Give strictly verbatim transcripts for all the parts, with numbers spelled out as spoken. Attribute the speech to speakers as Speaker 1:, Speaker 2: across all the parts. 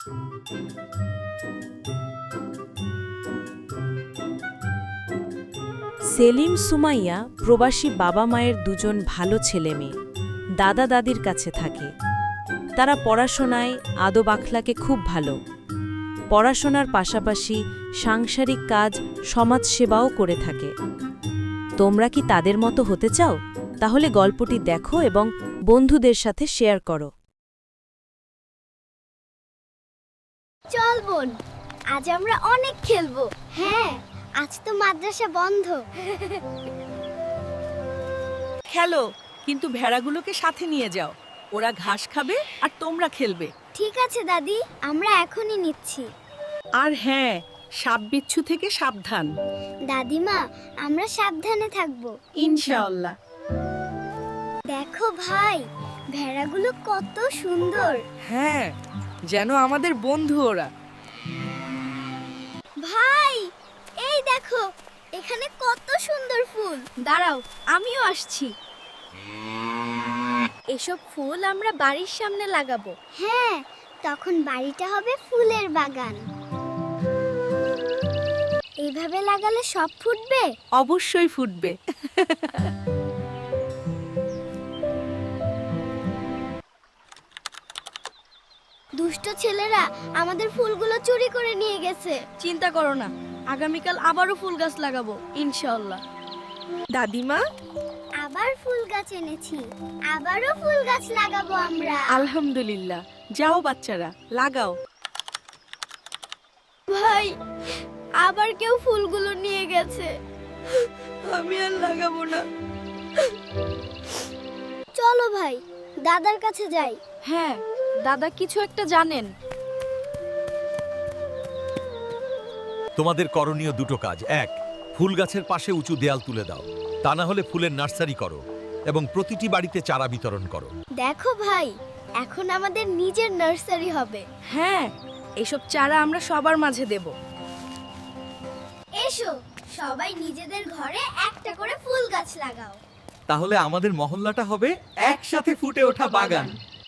Speaker 1: সেলিম সুমাইয়া প্রবাসী বাবা মায়ের দুজন ভালো ছেলে মেয়ে দাদা দাদির কাছে থাকে। তারা পড়াশোনায় আদব আখলাকে খুব ভালো। পড়াশোনার পাশাপাশি সাংসারিক কাজ সমাজসেবাও করে থাকে। তোমরা কি তাদের মতো হতে চাও? তাহলে গল্পটি দেখো এবং বন্ধুদের সাথে শেয়ার করো।
Speaker 2: চল বোন, আজ আমরা অনেক খেলবো। হ্যাঁ, আজ তো মাদ্রাসা বন্ধ।
Speaker 3: খেলো, কিন্তু ভেড়াগুলোকে সাথে নিয়ে যাও। ওরা ঘাস খাবে আর তোমরা খেলবে।
Speaker 2: ঠিক আছে দাদি, আমরা এখনই নিচ্ছি।
Speaker 3: আর হ্যাঁ, সাপ বিচ্ছু থেকে সাবধান।
Speaker 2: দাদিমা, আমরা সাবধানে থাকবো
Speaker 3: ইনশাআল্লাহ।
Speaker 2: দেখো ভাই, ভেড়াগুলো কত সুন্দর।
Speaker 3: হ্যাঁ, যেন আমাদের বন্ধু ওরা।
Speaker 2: ভাই, এই দেখো, এখানে কত সুন্দর ফুল। দাঁড়াও, আমিও আসছি। এসব ফুল আমরা বাড়ির সামনে লাগাবো। হ্যাঁ, তখন বাড়িটা হবে ফুলের বাগান। এইভাবে লাগালে সব ফুটবে?
Speaker 3: অবশ্যই ফুটবে।
Speaker 2: দুষ্ট ছেলেরা আমাদের ফুলগুলো চুরি করে নিয়ে গেছে।
Speaker 4: চিন্তা করো না, আগামীকাল আবারও ফুল গাছ লাগাবো ইনশাআল্লাহ।
Speaker 3: দাদিমা,
Speaker 2: আবার ফুল গাছ এনেছি, আবারও ফুল গাছ লাগাবো আমরা।
Speaker 3: আলহামদুলিল্লাহ। যাও বাচ্চারা, লাগাও।
Speaker 2: ভাই, আবার কেউ ফুলগুলো নিয়ে গেছে।
Speaker 4: আমি আর লাগাবো না।
Speaker 2: চলো ভাই, দাদার কাছে যাই।
Speaker 4: হ্যাঁ, দাদা কিছু একটা জানেন।
Speaker 5: তোমাদের করণীয় দুটো কাজ। এক, ফুল গাছের পাশে উঁচু দেয়াল তুলে দাও, তা না হলে ফুলের নার্সারি করো এবং প্রতিটি বাড়িতে চারা বিতরণ করো।
Speaker 2: দেখো ভাই, এখন আমাদের নিজের নার্সারি হবে।
Speaker 4: হ্যাঁ, এসব চারা আমরা সবার মাঝে দেব।
Speaker 2: এসো, সবাই নিজেদের ঘরে একটা করে ফুল গাছ লাগাও।
Speaker 5: তাহলে আমাদের মহল্লাটা হবে একসাথে ফুটে ওঠা বাগান।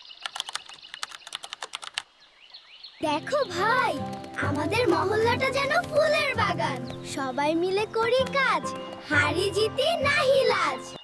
Speaker 2: দেখো ভাই, আমাদের মহল্লাটা যেন ফুলের বাগান। সবাই মিলে করি কাজ, হারি জিতি নাহি লাজ।